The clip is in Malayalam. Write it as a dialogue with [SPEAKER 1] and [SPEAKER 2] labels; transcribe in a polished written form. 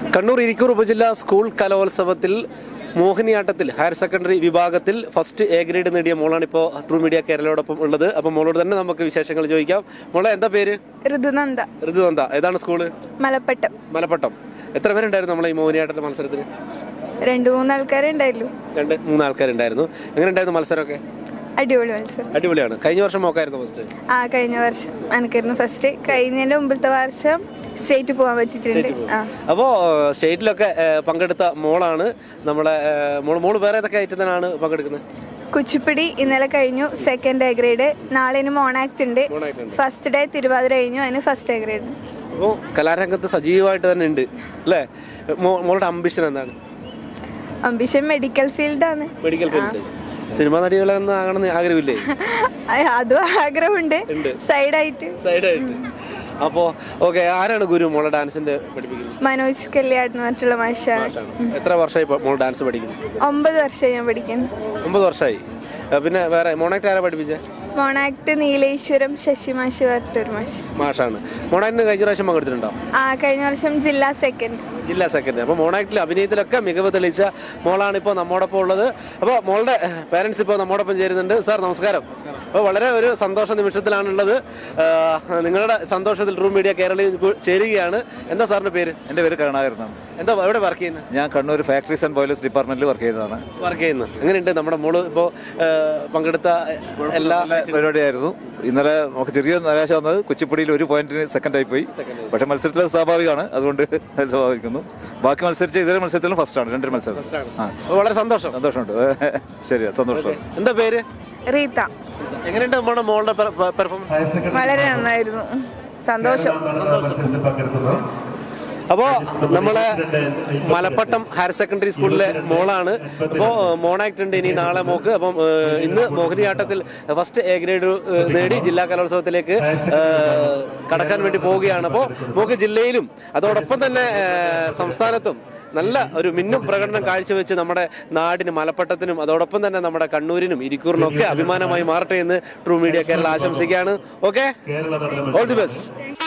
[SPEAKER 1] കണ്ണൂർ ഇരിക്കൂർ ഉപജില്ലാ സ്കൂൾ കലോത്സവത്തിൽ മോഹിനിയാട്ടത്തിൽ ഹയർ സെക്കൻഡറി വിഭാഗത്തിൽ ഫസ്റ്റ് എ ഗ്രേഡ് നേടിയ മോളാണ് ഇപ്പോൾ ട്രൂ മീഡിയ കേരളയോടൊപ്പം ഉള്ളത്. അപ്പം മോളോട് തന്നെ നമുക്ക് വിശേഷങ്ങൾ ചോദിക്കാം. മോളെ എന്താ പേര്?
[SPEAKER 2] ഋതുനന്ദ.
[SPEAKER 1] ഋതുനന്ദ. ഏതാണ് സ്കൂള്?
[SPEAKER 2] മലപ്പട്ടം.
[SPEAKER 1] മലപ്പട്ടം. എത്ര പേരുണ്ടായിരുന്നു നമ്മളെ ഈ മോഹിനിയാട്ട മത്സരത്തിന്?
[SPEAKER 2] 2-3 ആൾക്കാരുണ്ടായിരുന്നു.
[SPEAKER 1] 2-3 ആൾക്കാരുണ്ടായിരുന്നു. എങ്ങനെ ഉണ്ടായിരുന്നു മത്സരമൊക്കെ?
[SPEAKER 2] അടിപൊളി മത്സരം.
[SPEAKER 1] അടിപൊളിയാണ്. കഴിഞ്ഞ വർഷം മോക്കായിരുന്നു ഫസ്റ്റ്?
[SPEAKER 2] കഴിഞ്ഞ വർഷം എനിക്കായിരുന്നു ഫസ്റ്റ്. കഴിഞ്ഞതിന്റെ മുമ്പത്തെ വർഷം സ്റ്റേറ്റ് പോകാൻ പറ്റിയിട്ടുണ്ട്.
[SPEAKER 1] അപ്പോ സ്റ്റേറ്റിലൊക്കെ പങ്കെടുത്ത മോളാണ് നമ്മളെ മോള്. വേറെ ഏതൊക്കെ ഐറ്റത്തിനാണ് പങ്കെടുക്കുന്നത്?
[SPEAKER 2] കുച്ചിപ്പിടി ഇന്നലെ കഴിഞ്ഞു, സെക്കൻഡ് എ ഗ്രേഡ്. നാളെ മോണാക്ട് ഉണ്ട്. ഫസ്റ്റ് ഡേ തിരുവാതിര കഴിഞ്ഞു, അതിന് ഫസ്റ്റ് എ ഗ്രേഡ്.
[SPEAKER 1] അപ്പോൾ കലാരംഗത്ത് സജീവമായിട്ട് തന്നെ ഉണ്ട് അല്ലേ? മോളുടെ അംബിഷൻ എന്താണ്?
[SPEAKER 2] അംബിഷൻ മെഡിക്കൽ ഫീൽഡാണ്.
[SPEAKER 1] Medical field. സിനിമാ നടികളൊന്നും ആകണമെന്ന് ആഗ്രഹമില്ലേ?
[SPEAKER 2] അതും ആഗ്രഹമുണ്ട് സൈഡായിട്ട്.
[SPEAKER 1] അപ്പോ ഓക്കെ. ആരാണ് ഗുരു മോളെ ഡാൻസിന്റെ പഠിപ്പിക്കുന്നത്?
[SPEAKER 2] മനോജ് കല്യാട് മറ്റുള്ള മാഷാണ്.
[SPEAKER 1] എത്ര വർഷമായി മോൾ ഡാൻസ് പഠിക്കുന്നത്?
[SPEAKER 2] 9 വർഷമായി ഞാൻ പഠിക്കുന്നു.
[SPEAKER 1] 9 വർഷമായി. പിന്നെ വേറെ മോണാക്ട് ആരാ പഠിപ്പിച്ചേ?
[SPEAKER 2] മോണാക്ട് നീലേശ്വരം ശശി മാഷ് പറഞ്ഞിട്ടൊരു
[SPEAKER 1] മാഷാണ്. മോണാക്ടിന് കഴിഞ്ഞ പ്രാവശ്യം പങ്കെടുത്തിട്ടുണ്ടോ?
[SPEAKER 2] കഴിഞ്ഞ വർഷം ജില്ലാ സെക്കൻഡ്.
[SPEAKER 1] അപ്പോൾ മോണാക്ടിൽ അഭിനയത്തിലൊക്കെ മികവ് തെളിയിച്ച മോളാണ് ഇപ്പോൾ നമ്മോടൊപ്പം ഉള്ളത്. അപ്പോൾ മോളുടെ പേരൻസ് ഇപ്പോൾ നമ്മോടൊപ്പം ചേരുന്നുണ്ട്. സാർ നമസ്കാരം. അപ്പോൾ വളരെ ഒരു സന്തോഷ നിമിഷത്തിലാണുള്ളത്. നിങ്ങളുടെ സന്തോഷത്തിൽ ട്രൂ മീഡിയ കേരളയിൽ ചേരുകയാണ്. എന്താ സാറിന്റെ പേര്?
[SPEAKER 3] എൻ്റെ പേര് കരുണാകരൻ.
[SPEAKER 1] എന്താ എവിടെ വർക്ക് ചെയ്യുന്നത്?
[SPEAKER 3] ഞാൻ കണ്ണൂർ ഫാക്ടറീസ് ആൻഡ് ബോയിലേഴ്സ് ഡിപ്പാർട്ട്മെന്റിൽ വർക്ക് ചെയ്യുന്നത്.
[SPEAKER 1] എങ്ങനെയുണ്ട് നമ്മുടെ മോള് ഇപ്പോൾ പങ്കെടുത്ത എല്ലാ
[SPEAKER 3] പരിപാടിയായിരുന്നു? ഇന്നലെ നമുക്ക് ചെറിയ നിരാശ വന്നത് കുച്ചിപ്പുടിയിൽ 1 പോയിന്റിന് സെക്കൻഡ് ആയി പോയി. പക്ഷെ മത്സരത്തിൽ സ്വാഭാവികമാണ്, അതുകൊണ്ട് സ്വാഭാവിക്കുന്നു. ബാക്കി മത്സരിച്ച ഇതേ മത്സരത്തിലും ഫസ്റ്റ് ആണ്. 2 മത്സരം.
[SPEAKER 1] വളരെ സന്തോഷമുണ്ട്.
[SPEAKER 3] ശരി, സന്തോഷം.
[SPEAKER 1] എന്താ പേര്?
[SPEAKER 2] റീത്ത.
[SPEAKER 1] എങ്ങനെയുണ്ട് നമ്മുടെ മോളുടെ പെർഫോമൻസ്?
[SPEAKER 2] വളരെ നന്നായിരുന്നു. സന്തോഷം.
[SPEAKER 1] അപ്പോൾ നമ്മളെ മലപ്പട്ടം ഹയർ സെക്കൻഡറി സ്കൂളിലെ മോളാണ്. അപ്പോൾ മോണാക്ട് ഉണ്ട് ഇനി നാളെ മോക്ക്. അപ്പം ഇന്ന് മോഹിനിയാട്ടത്തിൽ ഫസ്റ്റ് എ ഗ്രേഡ് നേടി ജില്ലാ കലോത്സവത്തിലേക്ക് കടക്കാൻ വേണ്ടി പോവുകയാണ്. അപ്പോൾ മോക്ക് ജില്ലയിലും അതോടൊപ്പം തന്നെ സംസ്ഥാനത്തും നല്ല ഒരു മിന്നും പ്രകടനം കാഴ്ചവെച്ച് നമ്മുടെ നാടിന്, മലപ്പട്ടത്തിനും അതോടൊപ്പം തന്നെ നമ്മുടെ കണ്ണൂരിനും ഇരിക്കൂറിനും ഒക്കെ അഭിമാനമായി മാറട്ടെ എന്ന് ട്രൂ മീഡിയ കേരള ആശംസിക്കുകയാണ്. Okay, all the best.